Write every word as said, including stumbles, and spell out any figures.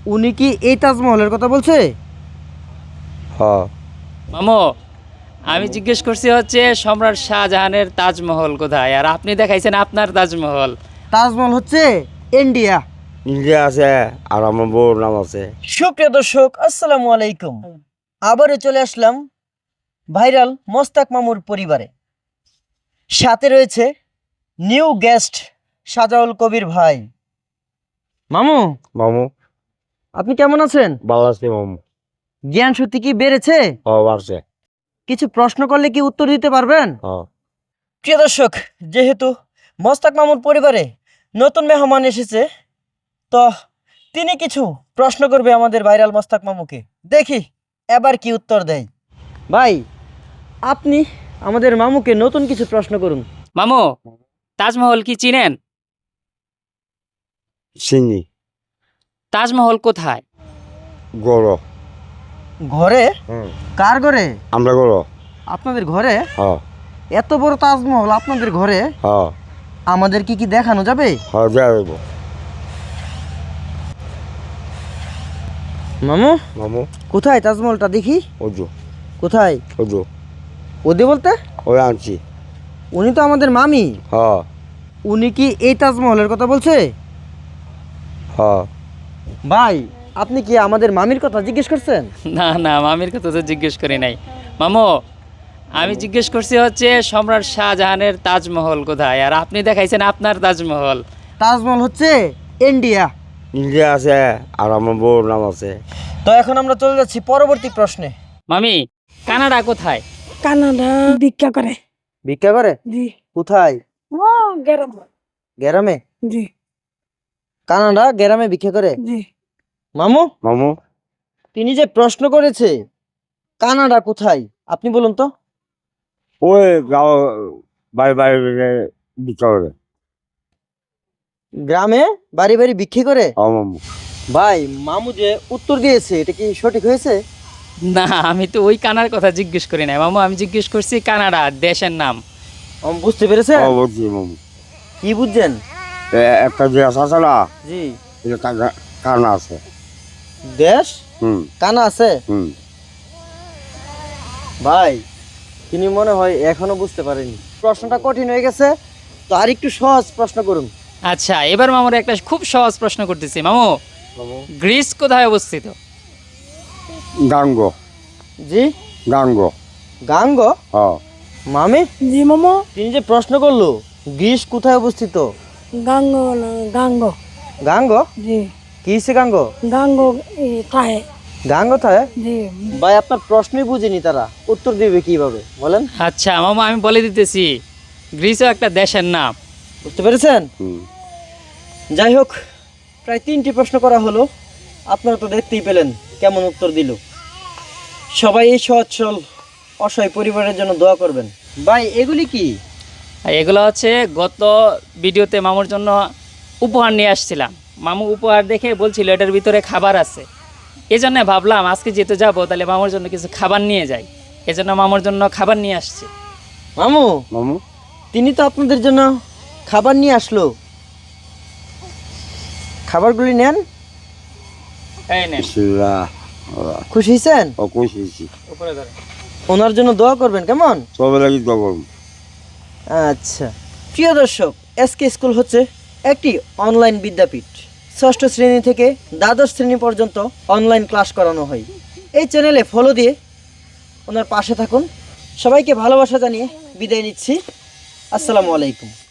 উনি কি এই তাজমহলের কথা বলছে? হ্যাঁ। মামু, আমি জিজ্ঞেস করছি হচ্ছে সম্রাট শাহজাহানের তাজমহল কোথায়, আর আপনি দেখাইছেন আপনার তাজমহল। তাজমহল হচ্ছে ইন্ডিয়া। ইন্ডিয়া আছে আর আমার বউর নাম আছে। সুপ্রিয় দর্শক, আসসালামু আলাইকুম। আবারও চলে আসলাম ভাইরাল মোস্তাক মামুর পরিবারে। সাথে রয়েছে নিউ গেস্ট সাজাউল কবির ভাই। মামু, মামু আপনি কেমন আছেন? ভালো আছে মামু। জ্ঞান সত্যি কি বেড়েছে? ও বাড়ছে। কিছু প্রশ্ন করলে কি উত্তর দিতে পারবেন? হ্যাঁ। প্রিয় দর্শক, যেহেতু মোস্তাক মামুর পরিবারে নতুন মেহমান এসেছে, তো তিনি কিছু প্রশ্ন করবে আমাদের ভাইরাল মোস্তাক মামুকে। দেখি এবার কি উত্তর দেয়। ভাই, আপনি আমাদের মামুকে নতুন কিছু প্রশ্ন করুন। মামু, তাজমহল কি চিনেন? চিনি। তাজমহল কোথায়? গরো। ঘরে? হুম। কার ঘরে? আমরা গরো। আপনাদের ঘরে? হ্যাঁ। এত বড় তাজমহল আপনাদের ঘরে? হ্যাঁ। আমাদের কি কি দেখানো যাবে? হ্যাঁ যাইব। মামু, মামু কোথায় তাজমহলটা দেখি? ওজো কোথায়? ওজো ওদে বলতে? ওই আনছি। উনি তো আমাদের মামি। হ্যাঁ। উনি কি এই তাজমহলের কথা বলছে? হ্যাঁ। ভাই, আপনি কি আমাদের মামির কথা জিজ্ঞেস করছেন? না না, মামির কথা তো জিজ্ঞেস করি নাই। মামু, আমি জিজ্ঞেস করছি হচ্ছে সম্রাট শাহজাহানের তাজমহল কোথায়, আর আপনি দেখাইছেন আপনার তাজমহল। তাজমহল হচ্ছে ইন্ডিয়া। ইন্ডিয়া আছে আর আমার বউর নাম আছে। তো এখন আমরা চলে যাচ্ছি পরবর্তী প্রশ্নে। মামি, কানাডা কোথায়? কানাডা ভিক্ষা করে। ভিক্ষা করে? জি। কোথায়? ও গেরাম। গ্রামে? জি কানাডা গ্রামে ভিক্ষা করে? জি। মামু, মামু তিনি যে প্রশ্ন করেছে কানাডা কোথায়, আপনি বলুন তো। ওই গাঁও বাড়ি বাড়ি বিক্রি করে। গ্রামে বাড়ি বাড়ি ভিক্ষা করে? হ্যাঁ মামু। ভাই, মামু যে উত্তর দিয়েছে এটা কি সঠিক হয়েছে? না, আমি তো ওই কানার কথা জিজ্ঞেস করি নাই মামু, আমি জিজ্ঞেস করছি কানাডা দেশের নাম। আমি বুঝতে পেরেছেন? হ্যাঁ বলছি মামু। কি বুঝছেন? এ- একটা দেশ আছে না, জি। এটা কানা কানা আছে। দেশ হুম কানা আছে? হুম। ভাই, তিনি মনে হয় এখনো বুঝতে পারেনি। প্রশ্নটা কঠিন হয়ে গেছে, তো আর একটু সহজ প্রশ্ন করুন। আচ্ছা, এবার মামুর একটা খুব সহজ প্রশ্ন করতেছি। মামু, মামু। গ্রিস কোথায় অবস্থিত? গাঙ্গ। জি। গাঙ্গ। গাঙ্গ? হ্যাঁ। মামি, জি মামা। তিনি যে প্রশ্ন করলো গ্রিস কোথায় অবস্থিত? গাঙ্গ না গাঙ্গ। গাঙ্গ? জি। কি হচ্ছে গাঙ্গ? গাঙ্গ এ খায়। গাঙ্গ থাকে? জি। ভাই, আপনার প্রশ্নই বুঝিনি তারা, উত্তর দিবে কিভাবে বলেন? আচ্ছা মামা, আমি বলে দিতেছি, গ্রিসও একটা দেশের নাম। বুঝতে পেরেছেন? হুম। যাই হোক, প্রায় তিনটি প্রশ্ন করা হলো, আপনারা তো দেখতেই পেলেন কেমন উত্তর দিল। সবাই এই সহজ সরল অসহায় পরিবারের জন্য দোয়া করবেন। ভাই, এগুলি কি? আর এগুলো হচ্ছে গত ভিডিওতে মামুর জন্য উপহার নিয়ে আসছিলাম। মামু উপহার দেখে বলছিল এটার ভিতরে খাবার আছে, এই জন্য ভাবলাম আজকে যেতে যাবো তাহলে মামুর জন্য কিছু খাবার নিয়ে যাই, এই জন্য মামুর জন্য খাবার নিয়ে আসছি। মামু, মামু তিনি তো আপনাদের জন্য খাবার নিয়ে আসলো, খাবারগুলি নেন। এই নেন। বিসমিল্লাহ। আল্লাহ। খুশি হয়েছেন? ও খুশি। উপরে ধরে। ওনার জন্য দোয়া করবেন, কেমন? সবাই লাগি খবর। আচ্ছা, প্রিয় দর্শক, এসকে স্কুল হচ্ছে একটি অনলাইন বিদ্যাপীঠ। ষষ্ঠ শ্রেণী থেকে দ্বাদশ শ্রেণী পর্যন্ত অনলাইন ক্লাস করানো হয়। এই চ্যানেলে ফলো দিয়ে ওনার পাশে থাকুন। সবাইকে ভালোবাসা জানিয়ে বিদায় নিচ্ছি। আসসালামু আলাইকুম।